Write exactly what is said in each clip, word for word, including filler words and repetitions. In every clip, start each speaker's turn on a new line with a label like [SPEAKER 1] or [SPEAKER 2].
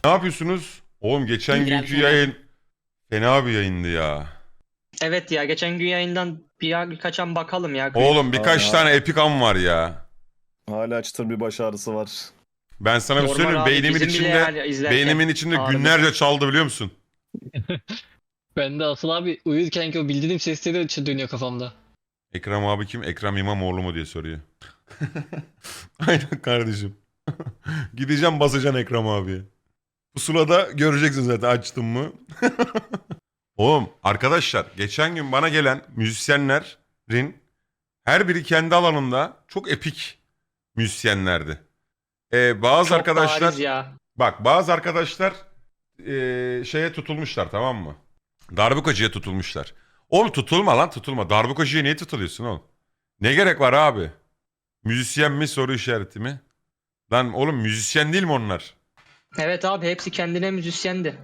[SPEAKER 1] Ne yapıyorsunuz? Oğlum geçen
[SPEAKER 2] İndirem
[SPEAKER 1] günkü
[SPEAKER 2] sana.
[SPEAKER 1] yayın fena bir yayındı ya.
[SPEAKER 3] Evet ya geçen gün yayından bir birkaç an bakalım ya klip.
[SPEAKER 1] Oğlum birkaç
[SPEAKER 4] Abi,
[SPEAKER 1] tane epik an var ya.
[SPEAKER 4] hala çıtır bir baş ağrısı var.
[SPEAKER 1] Ben sana bir
[SPEAKER 3] Normal
[SPEAKER 1] söyleyeyim
[SPEAKER 3] abi,
[SPEAKER 1] beynimin
[SPEAKER 3] bizim bile
[SPEAKER 1] içinde
[SPEAKER 3] yani izlerken
[SPEAKER 1] beynimin içinde
[SPEAKER 3] ağrıdı.
[SPEAKER 1] günlerce çaldı biliyor musun?
[SPEAKER 2] Ben de asıl abi uyurken ki o bildiğim sesleri ç- dönüyor kafamda.
[SPEAKER 1] Ekrem abi kim? Ekrem İmamoğlu mu diye soruyor. Aynen kardeşim. Gideceğim basacaksın Ekrem abiye. Pusulada göreceksin zaten açtım mı. Oğlum arkadaşlar geçen gün bana gelen müzisyenlerin her biri kendi alanında çok epik müzisyenlerdi. Ee, bazı
[SPEAKER 3] Çok
[SPEAKER 1] arkadaşlar
[SPEAKER 3] bariz ya.
[SPEAKER 1] bak bazı arkadaşlar ee, şeye tutulmuşlar tamam mı? Darbukacıya tutulmuşlar. Oğlum tutulma lan tutulma. Darbukacıya niye tutuluyorsun oğlum? Ne gerek var abi? Müzisyen mi soru işareti mi? Lan oğlum müzisyen değil mi onlar?
[SPEAKER 3] Evet abi hepsi kendine müzisyendi.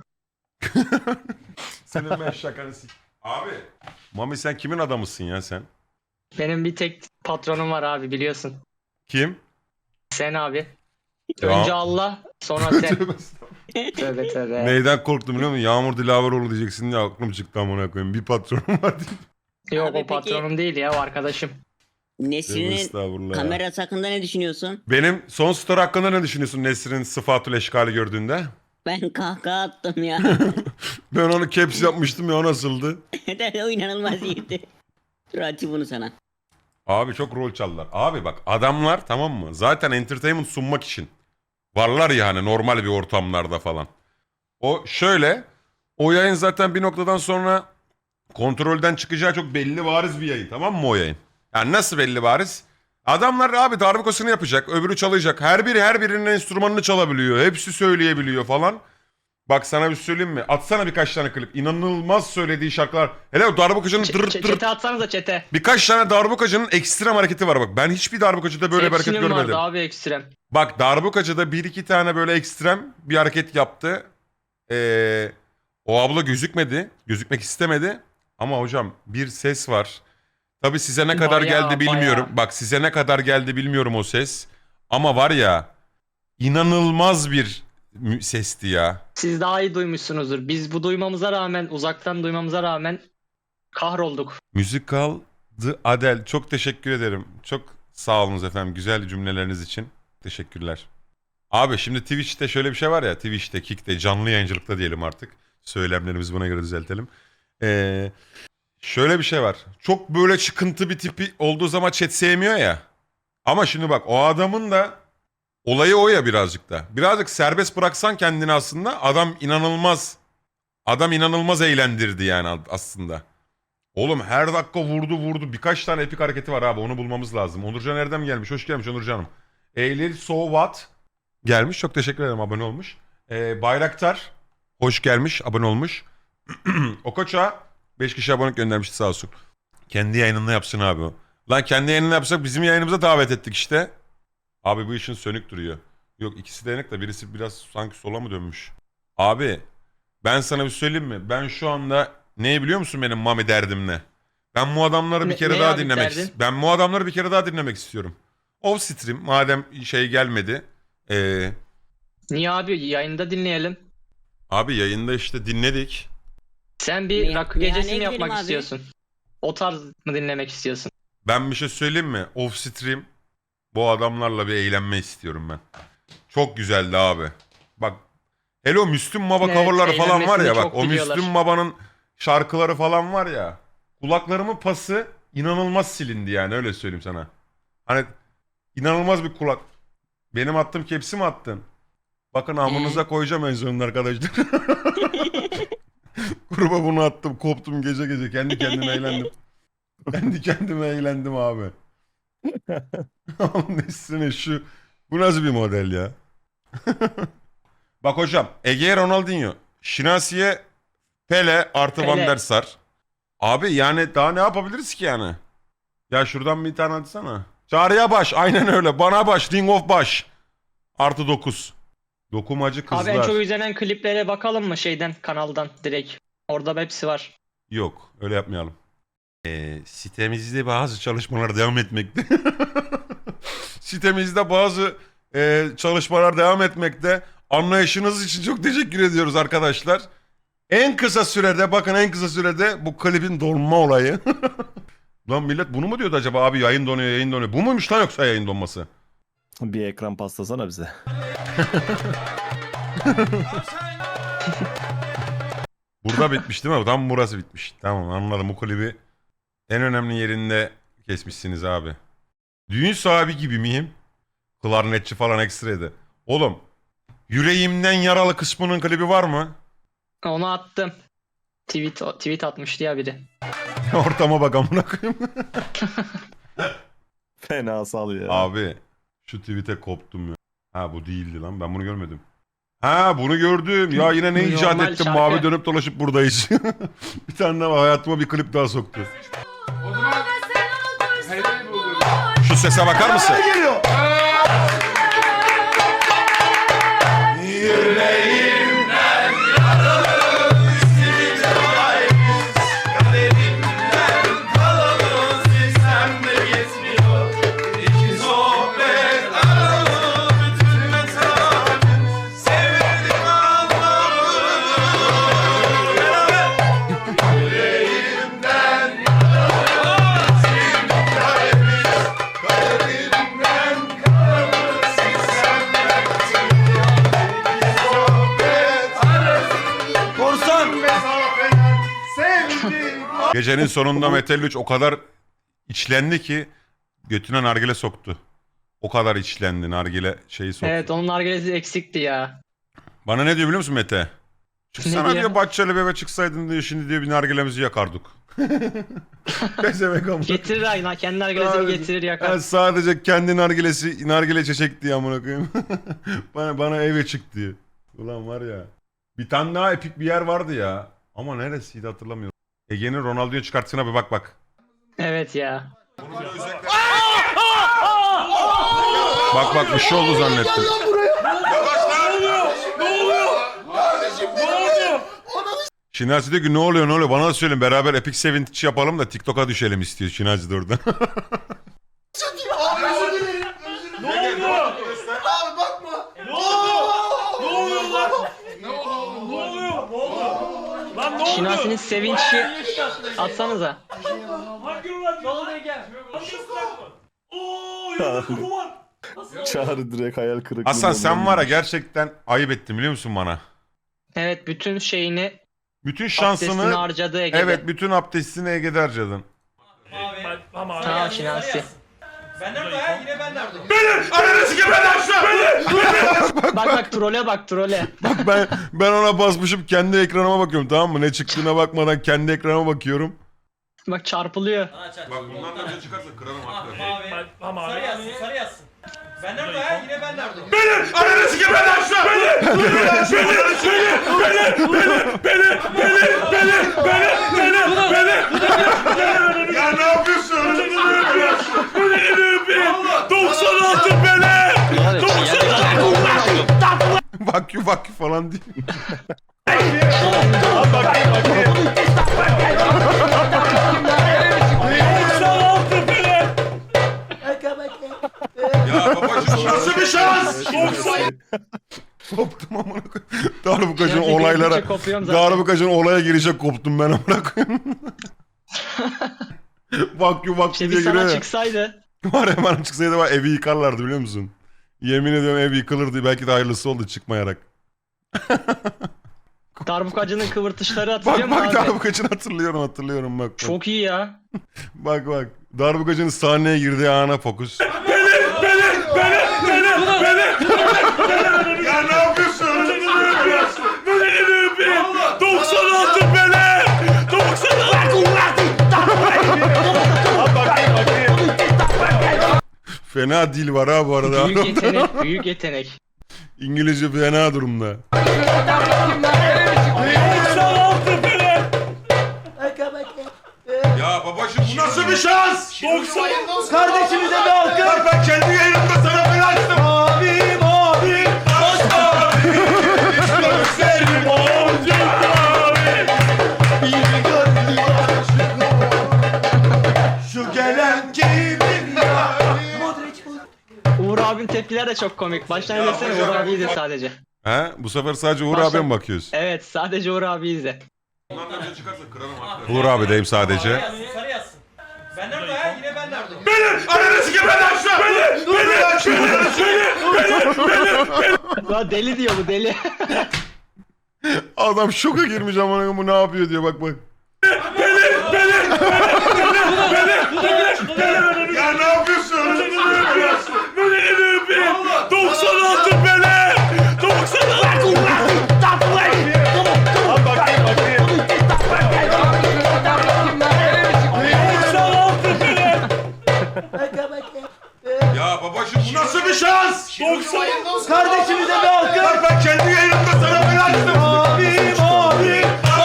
[SPEAKER 1] Senin ben şakanı sik. Abi. Mami sen kimin adamısın ya sen?
[SPEAKER 3] Benim bir tek patronum var abi biliyorsun.
[SPEAKER 1] Kim?
[SPEAKER 3] Sen abi.
[SPEAKER 1] Ya.
[SPEAKER 3] Önce Allah sonra sen.
[SPEAKER 1] Tövbe estağfurullah.
[SPEAKER 3] Tövbe tövbe.
[SPEAKER 1] Neyden korktum biliyor musun? Yağmur Dilaveroğlu diyeceksin diye aklım çıktı amına koyayım. Bir patronum var diye.
[SPEAKER 3] Yok
[SPEAKER 2] Abi
[SPEAKER 3] o
[SPEAKER 2] peki-
[SPEAKER 3] patronum değil ya o arkadaşım.
[SPEAKER 1] Tövbe
[SPEAKER 2] Nesrin'in
[SPEAKER 1] estağfurullah.
[SPEAKER 2] kamera hakkında ne düşünüyorsun?
[SPEAKER 1] Benim son story hakkında ne düşünüyorsun Nesrin'in sıfatül eşkali gördüğünde?
[SPEAKER 2] Ben kahkaha attım ya.
[SPEAKER 1] Ben onu caps yapmıştım ya o nasıldı?
[SPEAKER 2] o inanılmaz iyiydi. Dur açayım bunu sana.
[SPEAKER 1] Abi çok rol çaldılar. Abi bak adamlar tamam mı? Zaten entertainment sunmak için. Varlar ya hani normal bir ortamlarda falan. O şöyle. O yayın zaten bir noktadan sonra kontrolden çıkacağı çok belli bariz bir yayın tamam mı o yayın? Yani nasıl belli bariz? Adamlar abi darbukasını yapacak, öbürü çalacak. Her biri her birinin enstrümanını çalabiliyor. Hepsi söyleyebiliyor falan. Bak sana bir söyleyeyim mi? Atsana birkaç tane klip. İnanılmaz söylediği şarkılar. Hele o darbukacının
[SPEAKER 3] Ç-
[SPEAKER 1] dırt
[SPEAKER 3] ç-
[SPEAKER 1] dırt.
[SPEAKER 3] çete atsanıza çete.
[SPEAKER 1] Birkaç tane darbukacının ekstrem hareketi var bak. Ben hiçbir darbukacıda böyle bir hareket
[SPEAKER 3] Hepsinin
[SPEAKER 1] görmedim.
[SPEAKER 3] vardı abi ekstrem.
[SPEAKER 1] Bak darbukacıda bir iki tane böyle ekstrem bir hareket yaptı. Ee, o abla gözükmedi. Gözükmek istemedi. Ama hocam bir ses var. Tabii size ne kadar
[SPEAKER 3] Bayağı,
[SPEAKER 1] geldi bilmiyorum.
[SPEAKER 3] bayağı.
[SPEAKER 1] Bak size ne kadar geldi bilmiyorum o ses. Ama var ya inanılmaz bir mü- sesti ya.
[SPEAKER 3] Siz daha iyi duymuşsunuzdur. Biz bu duymamıza rağmen uzaktan duymamıza rağmen kahrolduk.
[SPEAKER 1] Musical The Adele. Çok teşekkür ederim. Çok sağ olunuz efendim güzel cümleleriniz için. Teşekkürler. Abi şimdi Twitch'te şöyle bir şey var ya. Twitch'te, Kick'te, canlı yayıncılıkta diyelim artık. Söylemlerimizi buna göre düzeltelim. Ee, şöyle bir şey var. Çok böyle çıkıntı bir tipi olduğu zaman chat sevmiyor ya. Ama şimdi bak o adamın da olayı o ya birazcık da. Birazcık serbest bıraksan kendini aslında adam inanılmaz adam inanılmaz eğlendirdi yani aslında. Oğlum her dakika vurdu vurdu. Birkaç tane epik hareketi var abi onu bulmamız lazım. Onurcan Erdem gelmiş. Hoş gelmiş Onurcan'ım. Eylül So What gelmiş. Çok teşekkür ederim abone olmuş. Ee, Bayraktar hoş gelmiş abone olmuş. Okoça beş kişi abonelik göndermişti sağ olsun. Kendi yayınında yapsın abi o. Lan kendi yayınında yapsak bizim yayınımıza davet ettik işte. Abi bu işin sönük duruyor. Yok ikisi de yanık da birisi biraz sanki sola mı dönmüş? Abi ben sana bir söyleyeyim mi? Ben şu anda neyi biliyor musun benim Mami derdim ne? Ben bu adamları bir
[SPEAKER 3] Ne-
[SPEAKER 1] kere
[SPEAKER 3] ne
[SPEAKER 1] daha
[SPEAKER 3] abi
[SPEAKER 1] dinlemek
[SPEAKER 3] derdin?
[SPEAKER 1] Ben bu adamları bir kere daha dinlemek istiyorum. Off stream madem şey gelmedi. Ee,
[SPEAKER 3] Niye abi yayında dinleyelim.
[SPEAKER 1] abi yayında işte dinledik.
[SPEAKER 3] Sen bir
[SPEAKER 2] Me-
[SPEAKER 3] rakı gecesi mi
[SPEAKER 2] meyhaneye
[SPEAKER 3] yapmak
[SPEAKER 2] gidelim abi.
[SPEAKER 3] istiyorsun? O tarz mı dinlemek istiyorsun?
[SPEAKER 1] Ben bir şey söyleyeyim mi? Off stream bu adamlarla bir eğlenme istiyorum ben. Çok güzeldi abi. Bak hele o Müslüm Baba
[SPEAKER 3] Evet,
[SPEAKER 1] coverları falan var ya
[SPEAKER 3] eğlenmesini
[SPEAKER 1] bak
[SPEAKER 3] çok
[SPEAKER 1] o
[SPEAKER 3] biliyorlar.
[SPEAKER 1] Müslüm Baba'nın şarkıları falan var ya. Kulaklarımın pası inanılmaz silindi yani öyle söyleyeyim sana. Hani inanılmaz bir kulak. Benim attığım kepsi mi attın? Bakın amınıza koyacağım en sonunda arkadaşlar. Gruba bunu attım koptum gece gece kendi kendime eğlendim. Kendi kendime eğlendim abi. Onun üstüne şu. Bu nasıl bir model ya? Bak hocam Ege Ronaldinho. Şinasi'ye Pele artı Van
[SPEAKER 3] Pele.
[SPEAKER 1] der Sar. Abi yani daha ne yapabiliriz ki yani? Ya şuradan bir tane atsana. Çağrı'ya baş aynen öyle. Bana baş. Ring of baş. Artı dokuz. Dokumacı kızlar.
[SPEAKER 3] Abi en çok izlenen kliplere bakalım mı şeyden kanaldan direkt. Orada hepsi var.
[SPEAKER 1] Yok öyle yapmayalım. Ee, sitemizde bazı çalışmalar devam etmekte. Sitemizde bazı e, çalışmalar devam etmekte. Anlayışınız için çok teşekkür ediyoruz arkadaşlar. En kısa sürede bakın en kısa sürede bu klibin donma olayı. Lan millet bunu mu diyordu acaba abi yayın donuyor yayın donuyor. Bu muymuş lan yoksa yayın donması?
[SPEAKER 4] Bir ekran pastasana bize.
[SPEAKER 1] Burada bitmiş değil mi? Tam burası bitmiş. Tamam anladım, bu klibi en önemli yerinde kesmişsiniz abi. Düğün sahibi gibi miyim? Klarnetçi falan ekstraydı. Oğlum yüreğimden yaralı kısmının klibi var mı?
[SPEAKER 3] Onu attım. Tweet, tweet atmıştı ya biri.
[SPEAKER 1] Ortama bak amına koyayım.
[SPEAKER 4] Fena sal ya.
[SPEAKER 1] Abi şu tweet'e koptum ya. Ha bu değildi lan, ben bunu görmedim. Ha bunu gördüm. Ya yine ne icat
[SPEAKER 3] Normal
[SPEAKER 1] ettim,
[SPEAKER 3] şarkı.
[SPEAKER 1] mavi dönüp dolaşıp buradayız. Bir tane daha hayatıma bir klip daha soktu. Şu sese bakar mısın? Gecenin sonunda Metal üç o kadar içlendi ki götüne nargile soktu. O kadar içlendi, nargile şeyi soktu.
[SPEAKER 3] Evet onun nargilesi eksikti ya.
[SPEAKER 1] Bana ne diyor biliyor musun Mete? Çıksana
[SPEAKER 3] Ne
[SPEAKER 1] diyor,
[SPEAKER 3] diyor?
[SPEAKER 1] Bahçeli Bebe çıksaydın diyor, şimdi diyor bir nargilemizi yakardık. Pezevenk amına.
[SPEAKER 3] Getirir aynen. Kendi nargilesini
[SPEAKER 1] Abi,
[SPEAKER 3] getirir yakar.
[SPEAKER 1] Ben sadece kendi nargilesi, nargile çeşek diye amına koyayım. bana, bana eve çık diyor. Ulan var ya. Bir tane daha epik bir yer vardı ya. Ama neresiydi hatırlamıyorum. Ege'nin Ronaldo'yu çıkarttığına bir bak bak.
[SPEAKER 3] Evet ya.
[SPEAKER 1] Bak bak bir şey oldu zannettim. Şinasi diyor ki ne oluyor ne oluyor, bana da söyleyin beraber Epic Sevinç yapalım da TikTok'a düşelim istiyor Şinasi de orada.
[SPEAKER 3] Şinasi'nin sevinci atsanıza.
[SPEAKER 4] Çağrı direkt hayal kırıklığı.
[SPEAKER 1] Hasan sen var ya gerçekten ayıp ettin biliyor musun bana?
[SPEAKER 3] Evet bütün şeyini
[SPEAKER 1] Bütün
[SPEAKER 3] abdestini
[SPEAKER 1] şansını,
[SPEAKER 3] harcadı Ege'de.
[SPEAKER 1] evet bütün abdestini Ege'de harcadın.
[SPEAKER 3] Tamam Şinasi.
[SPEAKER 5] Benden orada yine benden orada.
[SPEAKER 1] Ananı sikeyim ben aşağı!
[SPEAKER 3] Bak bak trole bak trole.
[SPEAKER 1] Bak ben, ben ona basmışım kendi ekranıma bakıyorum tamam mı? Ne çıktığına bakmadan kendi ekranıma bakıyorum.
[SPEAKER 3] Bak çarpılıyor.
[SPEAKER 5] Aç aç.
[SPEAKER 1] Bak bundan da önce çıkarsa kırarım haklı.
[SPEAKER 5] Mavi. Sarı yazsın sarı yazsın. Benden orada yine benden orada.
[SPEAKER 1] Ananı sikeyim ben aşağı! Beni! Beni! Beni! Beni! Beni! Beni! Beni! Beni! Ya ne yapıyorsun? doksan altı bele! Vakyu vakyu falan değil. Ya babacım nasıl bir şans? Koptum amına koyayım. Darbukacın
[SPEAKER 3] Yani
[SPEAKER 1] olaylara,
[SPEAKER 3] geldikçe kopuyorum zaten.
[SPEAKER 1] Darbukacın olaya girecek koptum ben amına koyayım. Vakyu vakyu
[SPEAKER 3] İşte
[SPEAKER 1] diye
[SPEAKER 3] bir sana
[SPEAKER 1] giriyor ya.
[SPEAKER 3] çıksaydı.
[SPEAKER 1] Var ya bana çıksaydı var evi yıkarlardı biliyor musun? Yemin ediyorum ev yıkılırdı, belki de hayırlısı oldu çıkmayarak.
[SPEAKER 3] Darbukacının kıvırtışları hatırlıyor
[SPEAKER 1] Bak
[SPEAKER 3] musun
[SPEAKER 1] bak
[SPEAKER 3] abi?
[SPEAKER 1] Darbukacını hatırlıyorum hatırlıyorum bak. Bak
[SPEAKER 3] Çok iyi ya.
[SPEAKER 1] bak. bak. Darbukacının sahneye girdiği ana fokus. Ya ne yapıyorsun? doksan altı bele! doksan altı! Fena dil var ha bu arada.
[SPEAKER 3] Büyük yetenek, büyük yetenek.
[SPEAKER 1] İngilizce fena durumda. Ya babacım bu nasıl bir şans? doksan
[SPEAKER 5] Kardeşimize bir alkış.
[SPEAKER 1] Bak ben kendi yayınımda sana fena açtım.
[SPEAKER 5] Mavi mavi. Aç mavi. Gözlerim boncuk mavi. Bir gözlü aşık. Şu gelen kimin ya?
[SPEAKER 3] Uğur abinin tepkiler de çok komik. Baştan izlesene Uğur abiyi de sadece.
[SPEAKER 1] He? Bu sefer sadece Uğur
[SPEAKER 3] Başla-
[SPEAKER 1] abiye mi bakıyoruz?
[SPEAKER 3] Evet sadece Uğur abi izle.
[SPEAKER 1] Bundan önce çıkarsa kırarım. Uğur abi deyim
[SPEAKER 5] Sarı
[SPEAKER 1] sadece.
[SPEAKER 5] yazsın, sarı yazsın. Ben nerede ya? Yine ben nerede?
[SPEAKER 1] Ananı sikeyim ben aşağı! Beni! Beni aşağı!
[SPEAKER 3] Lan deli diyor bu deli.
[SPEAKER 1] Adam şoka girmiş amına koyayım, bu ne yapıyor diyor bak bak. Ya ne yapıyorsun? doksan altı bele! doksan altı! Bakayım bakayım. Ya babacım bu nasıl bir şans? doksan
[SPEAKER 5] Kardeşimize bir alkış.
[SPEAKER 1] Bak ben kendi yayınımda sana bela açtım.
[SPEAKER 5] Abim abim.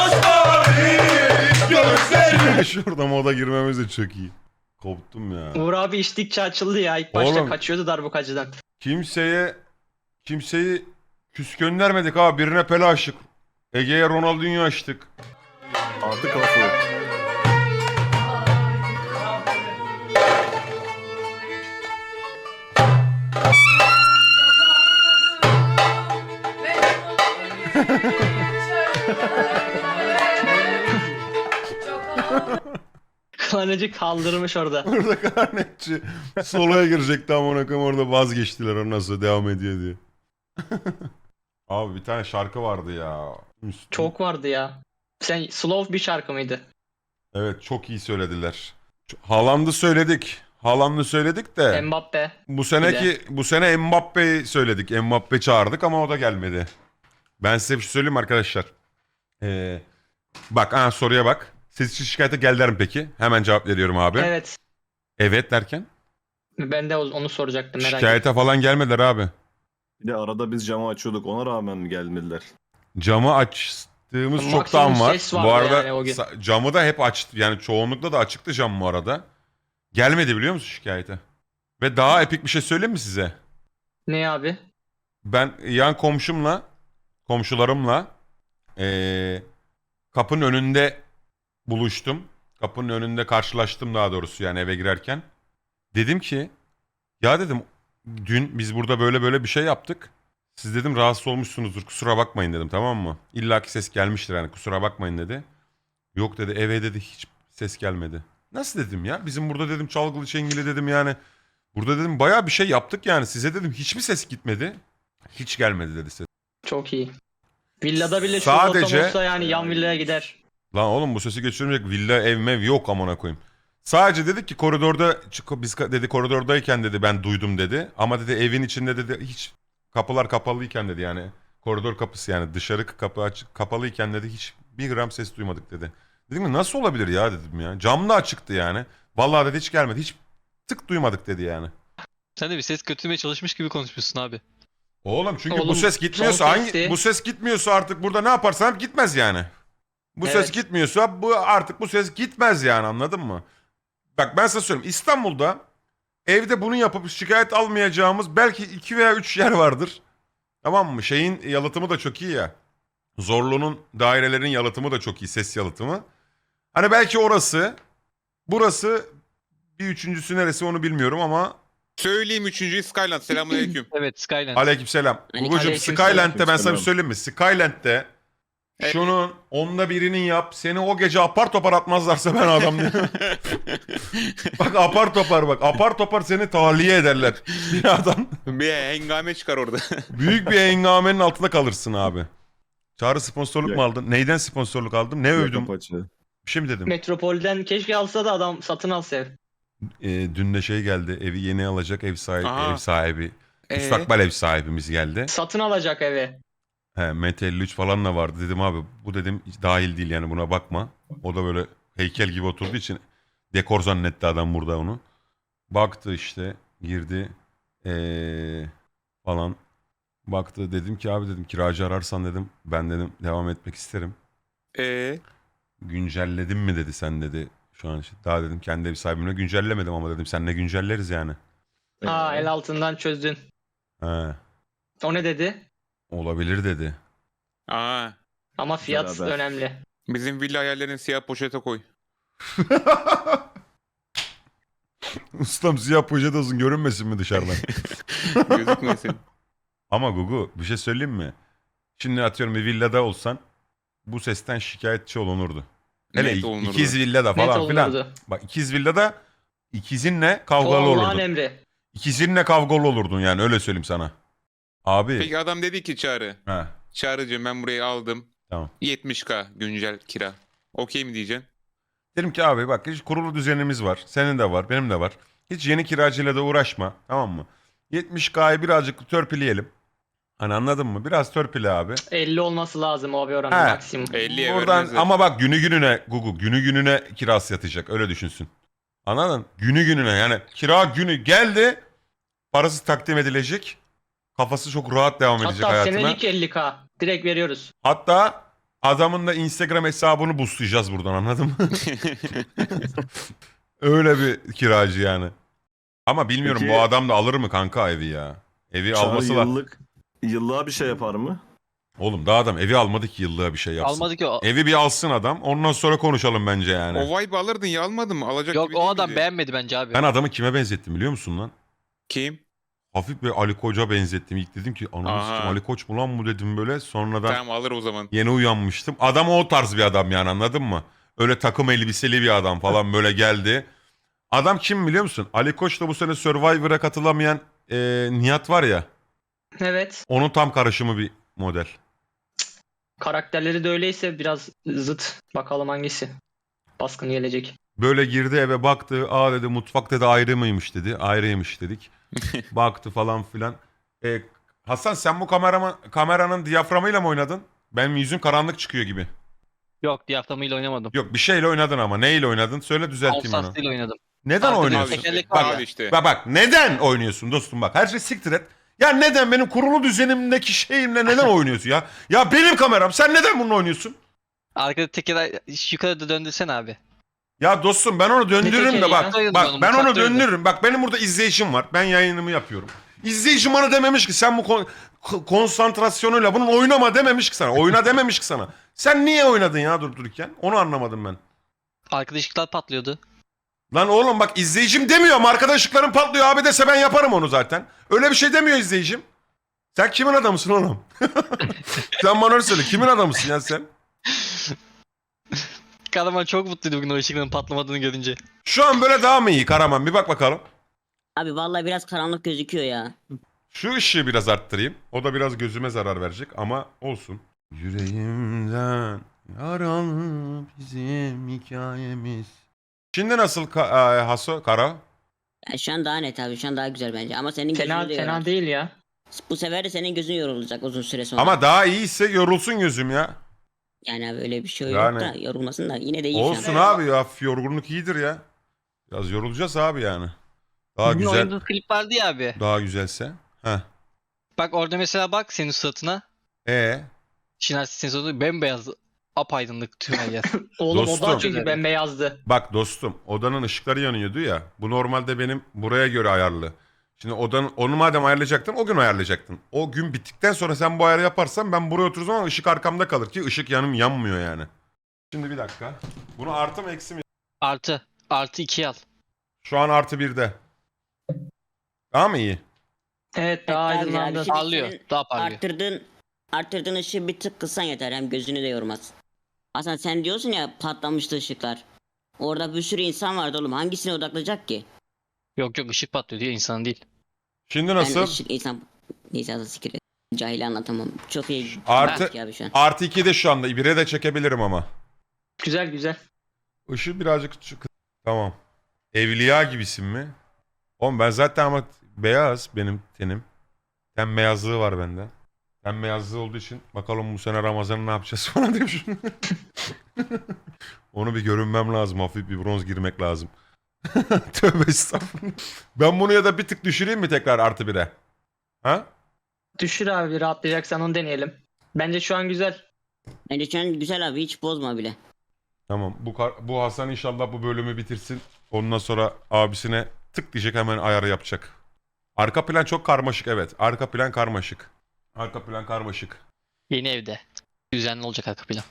[SPEAKER 1] Şurada moda girmemiz de çok iyi. Koptum ya.
[SPEAKER 3] Uğur abi içtikçe açıldı ya. İlk başta
[SPEAKER 1] Oğlum.
[SPEAKER 3] kaçıyordu darbukacıdan.
[SPEAKER 1] Kimseye kimseyi küs göndermedik abi. Birine Pele açtık. Ege'ye Ronaldinho açtık.
[SPEAKER 4] Artık asıl.
[SPEAKER 3] Klanıcı kaldırmış orada.
[SPEAKER 1] Orada karnetçi soloya girecekti amına koyayım, orada vazgeçtiler ondan sonra devam ediyor diye. Abi bir tane şarkı vardı ya. Müslüm.
[SPEAKER 3] Çok vardı ya. Sen slow bir şarkı mıydı?
[SPEAKER 1] Evet çok iyi söylediler. Ç- Haaland'ı söyledik. Haaland'ı söyledik de
[SPEAKER 3] Mbappe.
[SPEAKER 1] bu seneki bu sene Mbappe'yi söyledik. Mbappe çağırdık ama o da gelmedi. Ben size bir şey söyleyeyim mi arkadaşlar? Ee, bak ha, soruya bak. Siz için şikayete geldiler mi peki? Hemen cevap veriyorum abi. Evet,
[SPEAKER 3] Evet.
[SPEAKER 1] derken?
[SPEAKER 3] Ben de onu soracaktım merak ettim.
[SPEAKER 1] Şikayete falan gelmediler abi.
[SPEAKER 4] Bir de arada biz camı açıyorduk. Ona rağmen mi gelmediler?
[SPEAKER 1] Camı açtığımız
[SPEAKER 3] Maksimum
[SPEAKER 1] çoktan var.
[SPEAKER 3] ses vardı
[SPEAKER 1] Bu arada
[SPEAKER 3] yani o gün.
[SPEAKER 1] sa- camı da hep açtı. Yani çoğunlukla da açıktı cam bu arada. Gelmedi biliyor musun şikayete? Ve daha epik bir şey söyleyeyim mi size?
[SPEAKER 3] Ne abi?
[SPEAKER 1] Ben yan komşumla, komşularımla eee, kapının önünde buluştum. Kapının önünde karşılaştım daha doğrusu yani eve girerken. Dedim ki ya dedim dün biz burada böyle böyle bir şey yaptık. Siz dedim rahatsız olmuşsunuzdur kusura bakmayın dedim, tamam mı? İlla ki ses gelmiştir yani, kusura bakmayın dedi. Yok dedi, eve dedi hiç ses gelmedi. Nasıl dedim ya, bizim burada dedim çalgılı çengili dedim yani. Burada dedim bayağı bir şey yaptık yani, size dedim hiç mi ses gitmedi? Hiç gelmedi dedi ses.
[SPEAKER 3] Çok iyi. Villada bile şu
[SPEAKER 1] Sadece-
[SPEAKER 3] ortam olsa yani yan villaya gider.
[SPEAKER 1] Lan oğlum bu sesi geçirmeyecek villa ev mev yok amına koyayım. Sadece dedik ki koridorda çık- biz ka- dedi koridordayken dedi ben duydum dedi. Ama dedi evin içinde dedi hiç kapılar kapalıyken dedi yani. Koridor kapısı yani dışarı kapı açık kapalıyken dedi hiç bir gram ses duymadık dedi. Dedim ki nasıl olabilir ya dedim ya. Cam da açıktı yani. Vallahi dedi hiç gelmedi. Hiç tık duymadık dedi yani.
[SPEAKER 2] Sen de bir ses kötülemeye çalışmış gibi konuşmuşsun abi.
[SPEAKER 1] Oğlum çünkü bu
[SPEAKER 3] Oğlum,
[SPEAKER 1] ses gitmiyorsa
[SPEAKER 3] son
[SPEAKER 1] hangi
[SPEAKER 3] sesti-
[SPEAKER 1] bu ses gitmiyorsa artık burada ne yaparsam gitmez yani. Bu ses
[SPEAKER 3] Evet.
[SPEAKER 1] gitmiyorsa bu artık bu ses gitmez yani, anladın mı? Bak ben size söyleyeyim, İstanbul'da evde bunu yapıp şikayet almayacağımız belki iki veya üç yer vardır. Tamam mı? Şeyin yalıtımı da çok iyi ya. Zorlu'nun dairelerin yalıtımı da çok iyi, ses yalıtımı. Hani belki orası, burası, bir üçüncüsü neresi onu bilmiyorum ama
[SPEAKER 6] Söyleyeyim üçüncüyü Skyland. Selamünaleyküm.
[SPEAKER 2] Evet Skyline.
[SPEAKER 1] aleykümselam. Gugucuğum
[SPEAKER 3] Aleykümselam.
[SPEAKER 1] Skyland'de ben sana bir
[SPEAKER 4] Aleykümselam.
[SPEAKER 1] söyleyeyim mi? Skyland'de
[SPEAKER 6] Evet.
[SPEAKER 1] şunun onda birini yap. Seni o gece apar topar atmazlarsa ben adam değilim. Bak apar topar bak. Apar topar seni tahliye ederler. Binadan.
[SPEAKER 6] Bir hengame çıkar orada.
[SPEAKER 1] Büyük bir hengamenin altında kalırsın abi. Çağrı sponsorluk
[SPEAKER 4] Yok.
[SPEAKER 1] mu aldın? Neyden sponsorluk aldım? Ne övdüm?
[SPEAKER 4] Yakapaçı.
[SPEAKER 1] Bir şey mi dedim?
[SPEAKER 3] Metropolden keşke alsa da adam satın alsa ev.
[SPEAKER 1] Ee, dün de şey geldi. Evi yeni alacak ev sahibi.
[SPEAKER 6] Aha.
[SPEAKER 1] Ev sahibi.
[SPEAKER 6] Ee?
[SPEAKER 1] Müstakbel ev sahibimiz geldi.
[SPEAKER 3] Satın alacak evi.
[SPEAKER 1] He, Mete elli üç falan da vardı. Dedim abi bu dedim hiç dahil değil yani, buna bakma. O da böyle heykel gibi oturduğu için dekor zannetti adam burada onu. Baktı işte girdi ee, falan. Baktı, dedim ki abi dedim kiracı ararsan dedim ben dedim devam etmek isterim.
[SPEAKER 6] Ee,
[SPEAKER 1] Güncelledin mi dedi sen dedi. Şu an işte daha dedim kendi ev sahibimle güncellemedim ama dedim seninle güncelleriz yani.
[SPEAKER 3] Aa
[SPEAKER 4] Ee,
[SPEAKER 3] el altından çözdün.
[SPEAKER 1] He,
[SPEAKER 3] O ne dedi?
[SPEAKER 1] olabilir dedi.
[SPEAKER 6] aa,
[SPEAKER 3] Ama fiyat
[SPEAKER 4] Güzel haber.
[SPEAKER 3] önemli.
[SPEAKER 6] bizim villa hayallerini siyah poşete koy.
[SPEAKER 1] Ustam siyah poşet olsun görünmesin mi dışarıdan?
[SPEAKER 6] Gözükmesin.
[SPEAKER 1] Ama Gugu bir şey söyleyeyim mi? Şimdi atıyorum bir villada olsan bu sesten şikayetçi olunurdu. Hele
[SPEAKER 6] Net
[SPEAKER 1] ik-
[SPEAKER 6] olunurdu.
[SPEAKER 1] ikiz villada
[SPEAKER 3] Net
[SPEAKER 1] falan filan.
[SPEAKER 3] olunurdu.
[SPEAKER 1] Bak ikiz villada ikizinle
[SPEAKER 3] O
[SPEAKER 1] kavgalı
[SPEAKER 3] Allah'ın
[SPEAKER 1] olurdun.
[SPEAKER 3] emri.
[SPEAKER 1] İkizinle kavgalı olurdun yani öyle söyleyeyim sana. Abi.
[SPEAKER 6] Peki adam dedi ki Çağrı.
[SPEAKER 1] He,
[SPEAKER 6] Çağrı'cığım ben burayı aldım.
[SPEAKER 1] tamam.
[SPEAKER 6] yetmiş bin güncel kira. Okey mi diyeceksin?
[SPEAKER 1] Dedim ki abi bak hiç kurulu düzenimiz var. Senin de var, benim de var. Hiç yeni kiracıyla da uğraşma. Tamam mı? yetmiş K'yı birazcık törpüleyelim. Hani anladın mı? Biraz törpüle abi.
[SPEAKER 3] elli olması lazım o bir oranı
[SPEAKER 1] He.
[SPEAKER 3] maksimum.
[SPEAKER 6] elliye
[SPEAKER 1] Buradan
[SPEAKER 6] vermezler.
[SPEAKER 1] ama bak günü gününe Gugu günü gününe kirası yatacak. Öyle düşünsün. Anladın? Günü gününe yani kira günü geldi. Parası takdim edilecek. Kafası çok rahat devam edecek
[SPEAKER 3] Hatta
[SPEAKER 1] hayatına.
[SPEAKER 3] senelik elli K. Direkt veriyoruz.
[SPEAKER 1] Hatta adamın da Instagram hesabını boostlayacağız buradan anladın mı? Öyle bir kiracı yani. Ama bilmiyorum
[SPEAKER 4] Peki-
[SPEAKER 1] bu adam da alır mı kanka evi ya? Evi
[SPEAKER 4] Çağrı
[SPEAKER 1] alması da...
[SPEAKER 4] yıllık, yıllığa bir şey yapar mı?
[SPEAKER 1] Oğlum daha adam evi almadı ki yıllığa bir şey yapsın.
[SPEAKER 2] Almadı ki o.
[SPEAKER 1] Evi bir alsın adam ondan sonra konuşalım bence yani.
[SPEAKER 6] O vibe alırdın ya almadın mı? Alacak
[SPEAKER 2] Yok
[SPEAKER 6] gibi
[SPEAKER 2] o
[SPEAKER 6] değil
[SPEAKER 2] adam
[SPEAKER 6] miydi?
[SPEAKER 2] beğenmedi bence abi.
[SPEAKER 1] Ben adamı kime benzettim biliyor musun lan?
[SPEAKER 6] Kim?
[SPEAKER 1] Hafif bir Ali Koç'a benzettim. İlk dedim ki ananı
[SPEAKER 6] Aha.
[SPEAKER 1] sikim Ali Koç mu lan bu dedim böyle. Sonradan
[SPEAKER 6] Tamam alır o zaman.
[SPEAKER 1] yeni uyanmıştım. Adam o tarz bir adam yani anladın mı? Öyle takım elbiseli bir adam falan böyle geldi. Adam kim biliyor musun? Ali Koç da bu sene Survivor'a katılamayan e, Nihat var ya.
[SPEAKER 3] Evet.
[SPEAKER 1] Onun tam karışımı bir model.
[SPEAKER 3] Karakterleri de öyleyse biraz zıt. Bakalım hangisi. Baskın gelecek.
[SPEAKER 1] Böyle girdi eve baktı. Aa dedi mutfak dedi ayrı mıymış dedi. Ayrıymış dedik. Baktı falan filan. E, Hasan sen bu kamerama, kameranın diyaframıyla mı oynadın? Benim yüzüm karanlık çıkıyor gibi.
[SPEAKER 2] Yok diyaframıyla oynamadım.
[SPEAKER 1] Yok bir şeyle oynadın ama. Neyle oynadın? Söyle düzelteyim onu.
[SPEAKER 2] Alsas'ıyla oynadım.
[SPEAKER 1] Neden
[SPEAKER 2] Arkada
[SPEAKER 1] oynuyorsun?
[SPEAKER 2] tekerlek
[SPEAKER 1] Bak,
[SPEAKER 2] var ya.
[SPEAKER 6] Al işte.
[SPEAKER 1] bak bak neden oynuyorsun dostum bak. Her şey siktir et. Ya neden benim kurulu düzenimdeki şeyimle neden oynuyorsun ya? Ya benim kameram sen neden bununla oynuyorsun?
[SPEAKER 2] Arkada teker yukarı da döndürsen abi.
[SPEAKER 1] Ya dostum ben onu döndürürüm de
[SPEAKER 3] tekeri
[SPEAKER 1] bak.
[SPEAKER 2] ya?
[SPEAKER 1] Bak ben onu
[SPEAKER 2] Mutfaktaydı.
[SPEAKER 1] döndürürüm. Bak benim burada izleyicim var. Ben yayınımı yapıyorum. İzleyicim bana dememiş ki sen bu kon- k- konsantrasyonuyla bunun oynama dememiş ki sana. Oyna dememiş ki sana. Sen niye oynadın ya durdururken? Onu anlamadım ben.
[SPEAKER 2] Arkada ışıklar patlıyordu.
[SPEAKER 1] Lan oğlum bak izleyicim demiyor ama arkada ışıkların patlıyor abi dese ben yaparım onu zaten. Öyle bir şey demiyor izleyicim. Sen kimin adamısın oğlum? Sen bana öyle söyle. Kimin adamısın ya sen?
[SPEAKER 2] Karaman çok mutluydu bugün o ışıkların patlamadığını görünce.
[SPEAKER 1] Şu an böyle daha mı iyi Karaman? Bir bak bakalım.
[SPEAKER 7] Abi vallahi biraz karanlık gözüküyor ya.
[SPEAKER 1] Şu ışığı biraz arttırayım. O da biraz gözüme zarar verecek ama olsun. Yüreğimden yaralı bizim hikayemiz. Şimdi nasıl ka- e, Haso, Kara?
[SPEAKER 7] Ya şu an daha net abi. Şu an daha güzel bence. Ama senin gözün
[SPEAKER 3] Fena
[SPEAKER 7] de
[SPEAKER 3] fena
[SPEAKER 7] yorar.
[SPEAKER 3] değil ya.
[SPEAKER 7] Bu sefer de senin gözün yorulacak uzun süre sonra.
[SPEAKER 1] Ama daha iyiyse yorulsun gözüm ya.
[SPEAKER 7] Yani abi öyle bir şey
[SPEAKER 1] Yani-
[SPEAKER 7] yok da yorulmasın da yine de iyi şu
[SPEAKER 1] Olsun
[SPEAKER 7] an.
[SPEAKER 1] abi ya. Yorgunluk iyidir ya. Biraz yorulacağız abi yani. Daha
[SPEAKER 2] Bugün
[SPEAKER 1] güzel,
[SPEAKER 2] oynadığın klip vardı ya abi.
[SPEAKER 1] daha güzelse. Heh.
[SPEAKER 2] Bak orada mesela bak senin suratına.
[SPEAKER 1] E
[SPEAKER 2] Şinasi senin suratına bembeyaz apaydınlık tüm her yer.
[SPEAKER 3] Oğlum
[SPEAKER 1] Dostum.
[SPEAKER 3] o da çünkü bembeyazdı.
[SPEAKER 1] bak dostum odanın ışıkları yanıyordu ya. Bu normalde benim buraya göre ayarlı. Şimdi odanın onu madem ayarlayacaktın o gün ayarlayacaktın. O gün bittikten sonra sen bu ayarı yaparsan ben buraya oturur ama ışık arkamda kalır ki ışık yanım yanmıyor yani. Şimdi bir dakika. Bunu artı mı eksi mi?
[SPEAKER 2] Artı. Artı ikiye al.
[SPEAKER 1] Şu an artı birde. Daha mı iyi?
[SPEAKER 3] Evet daha
[SPEAKER 7] Evet, daha güzel abi.
[SPEAKER 3] aydınlandı.
[SPEAKER 7] Şimdi
[SPEAKER 2] Parlıyor.
[SPEAKER 7] senin
[SPEAKER 2] Daha parlıyor.
[SPEAKER 7] Arttırdığın, arttırdığın ışığı bir tık kıssan yeter. Hem gözünü de yormaz. Hasan sen diyorsun ya patlamıştı ışıklar. Orada bir sürü insan vardı oğlum. Hangisine odaklayacak ki?
[SPEAKER 2] Yok yok ışık patlıyor diye insan değil.
[SPEAKER 1] Şimdi
[SPEAKER 7] Ben
[SPEAKER 1] nasıl?
[SPEAKER 7] ışık insan... Neyse Hasan sikir. Cahil anlatamam. Çok iyi.
[SPEAKER 1] Artı-
[SPEAKER 7] Bak ya abi şu an.
[SPEAKER 1] Artı iki de şu anda. bire de çekebilirim ama.
[SPEAKER 3] Güzel güzel.
[SPEAKER 1] Işığı birazcık çık. Tamam. Evliya gibisin mi? Oğlum ben zaten ama beyaz benim tenim. Ten beyazlığı var bende. Ten beyazlığı olduğu için bakalım bu sene Ramazan'ı ne yapacağız falan demiş. Onu bir görünmem lazım. Hafif bir bronz girmek lazım. Tövbe estağfurullah. Ben bunu ya da bir tık düşüreyim mi tekrar artı bire? Ha?
[SPEAKER 3] Düşür abi rahatlayacaksan onu deneyelim. Bence şu an güzel.
[SPEAKER 7] Bence şu an güzel abi. Hiç bozma bile.
[SPEAKER 1] Tamam. Bu kar- bu Hasan inşallah bu bölümü bitirsin. Ondan sonra abisine tık diyecek hemen ayarı yapacak. Arka plan çok karmaşık evet. Arka plan karmaşık. Arka plan karmaşık.
[SPEAKER 2] Yeni evde. Düzenli olacak arka plan.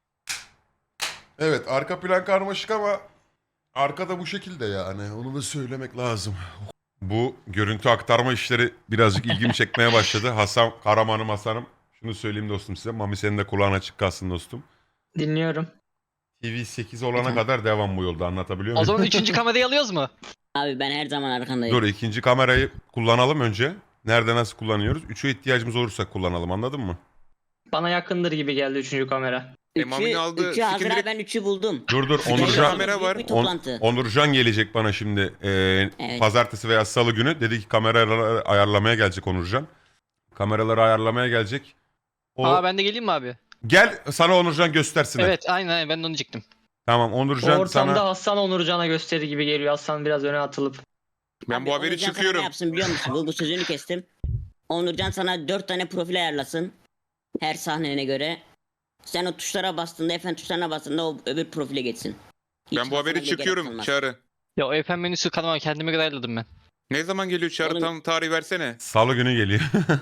[SPEAKER 1] Evet arka plan karmaşık ama arkada bu şekilde yani. Onu da söylemek lazım. Bu görüntü aktarma işleri birazcık ilgimi çekmeye başladı. Hasan Karaman'ım Hasan'ım. Şunu söyleyeyim dostum size. Mami senin de kulağın açık kalsın dostum.
[SPEAKER 3] Dinliyorum.
[SPEAKER 1] T V sekiz olana kadar devam bu yolda, anlatabiliyor
[SPEAKER 2] O
[SPEAKER 1] muyum?
[SPEAKER 2] zaman üçüncü kamerayı alıyoruz mu?
[SPEAKER 7] Abi ben her zaman arkandayım.
[SPEAKER 1] Dur, ikinci kamerayı kullanalım önce. Nerede nasıl kullanıyoruz? Üçe ihtiyacımız olursa kullanalım, anladın mı?
[SPEAKER 3] Bana yakındır gibi geldi üçüncü kamera.
[SPEAKER 6] E, Mami'nin
[SPEAKER 7] Üçü,
[SPEAKER 6] aldığı
[SPEAKER 7] üçü hazır
[SPEAKER 6] sikimleri-
[SPEAKER 7] abi, ben üçü buldum.
[SPEAKER 1] Dur dur
[SPEAKER 6] Fikirli
[SPEAKER 1] Onurcan,
[SPEAKER 6] kamera var.
[SPEAKER 7] Büyük bir
[SPEAKER 1] On-
[SPEAKER 7] toplantı.
[SPEAKER 1] Onurcan gelecek bana şimdi e,
[SPEAKER 7] Evet.
[SPEAKER 1] pazartesi veya salı günü. Dedi ki kameraları ayarlamaya gelecek Onurcan. Kameraları ayarlamaya gelecek. O...
[SPEAKER 2] Aa ben de geleyim mi abi?
[SPEAKER 1] Gel sana Onurcan göstersin.
[SPEAKER 2] Evet aynen aynen ben de onu diyecektim.
[SPEAKER 1] Tamam
[SPEAKER 3] O
[SPEAKER 1] Onurcan
[SPEAKER 3] ortamda
[SPEAKER 1] sana...
[SPEAKER 3] Hasan Onurcan'a gösteri gibi geliyor. Hasan biraz öne atılıp.
[SPEAKER 6] Ben
[SPEAKER 7] Abi,
[SPEAKER 6] bu haberi
[SPEAKER 7] Onurcan sana
[SPEAKER 6] çıkıyorum.
[SPEAKER 7] ne yapsın biliyor musun? Bu, bu sözünü kestim. Onurcan sana dört tane profil ayarlasın. Her sahnene göre. Sen o tuşlara bastığında, efendim tuşlarına bastığında o öbür profile geçsin. Hiç
[SPEAKER 6] Ben bu
[SPEAKER 7] Hasan'a
[SPEAKER 6] haberi
[SPEAKER 7] bile gerek
[SPEAKER 6] çıkıyorum
[SPEAKER 7] kalmaz.
[SPEAKER 6] Çağrı.
[SPEAKER 2] Ya o F M menüsü kanama kendime göre ayarladım ben.
[SPEAKER 6] Ne zaman geliyor Çağrı?
[SPEAKER 7] Oğlum-
[SPEAKER 6] Tam tarih versene.
[SPEAKER 1] Salı günü geliyor.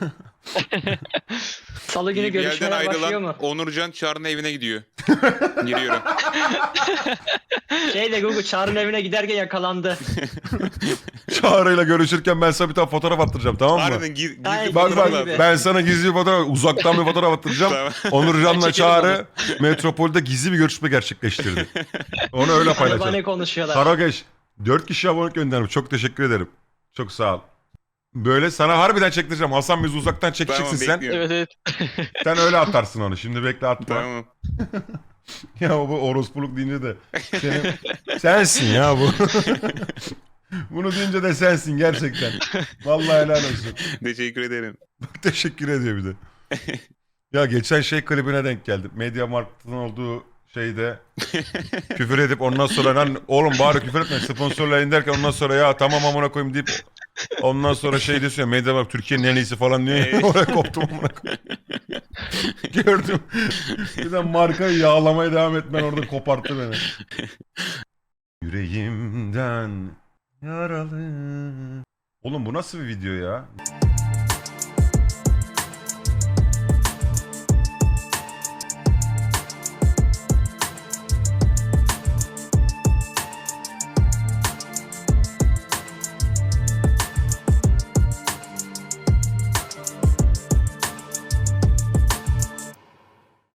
[SPEAKER 3] Salı günü
[SPEAKER 6] Bir yerden
[SPEAKER 3] görüşmeler başlıyor
[SPEAKER 6] ayrılan
[SPEAKER 3] mu?
[SPEAKER 6] Onurcan Çağrı'nın evine gidiyor. Giriyorum.
[SPEAKER 3] Şeyle Google Çağrı'nın evine giderken yakalandı.
[SPEAKER 1] Çağrı'yla görüşürken ben sana bir tane fotoğraf attıracağım, tamam mı?
[SPEAKER 6] Harbiden gir, gizli
[SPEAKER 3] Ay,
[SPEAKER 1] Bak
[SPEAKER 6] fotoğraf
[SPEAKER 1] bak
[SPEAKER 6] lazım.
[SPEAKER 1] ben sana gizli bir fotoğraf, uzaktan bir fotoğraf attıracağım.
[SPEAKER 6] Tamam.
[SPEAKER 1] Onurcan'la
[SPEAKER 3] Çekelim
[SPEAKER 1] Çağrı Metropol'de gizli bir görüşme gerçekleştirdi. Onu öyle
[SPEAKER 3] Araba
[SPEAKER 1] paylaşalım.
[SPEAKER 3] ne konuşuyorlar?
[SPEAKER 1] Karageç dört kişi abonelik göndermiş. Çok teşekkür ederim. Çok sağ ol. Böyle sana harbiden çektireceğim. Hasan bizi uzaktan çekeceksin
[SPEAKER 6] Tamam,
[SPEAKER 1] sen.
[SPEAKER 6] bekliyorum.
[SPEAKER 2] Evet evet.
[SPEAKER 1] Sen öyle atarsın onu. Şimdi bekle atma.
[SPEAKER 6] Tamam.
[SPEAKER 1] Ya bu orospuluk deyince de senin... sensin ya bu. Bunu deyince de sensin gerçekten. Vallahi helal olsun.
[SPEAKER 6] Teşekkür ederim.
[SPEAKER 1] Teşekkür ediyor bir de. Ya geçen şey klibine denk geldim. Mediamarkt'ın olduğu şeyde küfür edip ondan sonra lan oğlum bari küfür etme sponsorlayın derken ondan sonra ya tamam amına koyayım deyip ondan sonra şey diyorsun ya Mediamarkt Türkiye'nin en iyisi falan diye
[SPEAKER 6] Evet.
[SPEAKER 1] oraya koptum amına koyayım. Gördüm. Bir de markayı yağlamaya devam etmen orada koparttı beni. Yüreğimden yaralı. Oğlum bu nasıl bir video ya?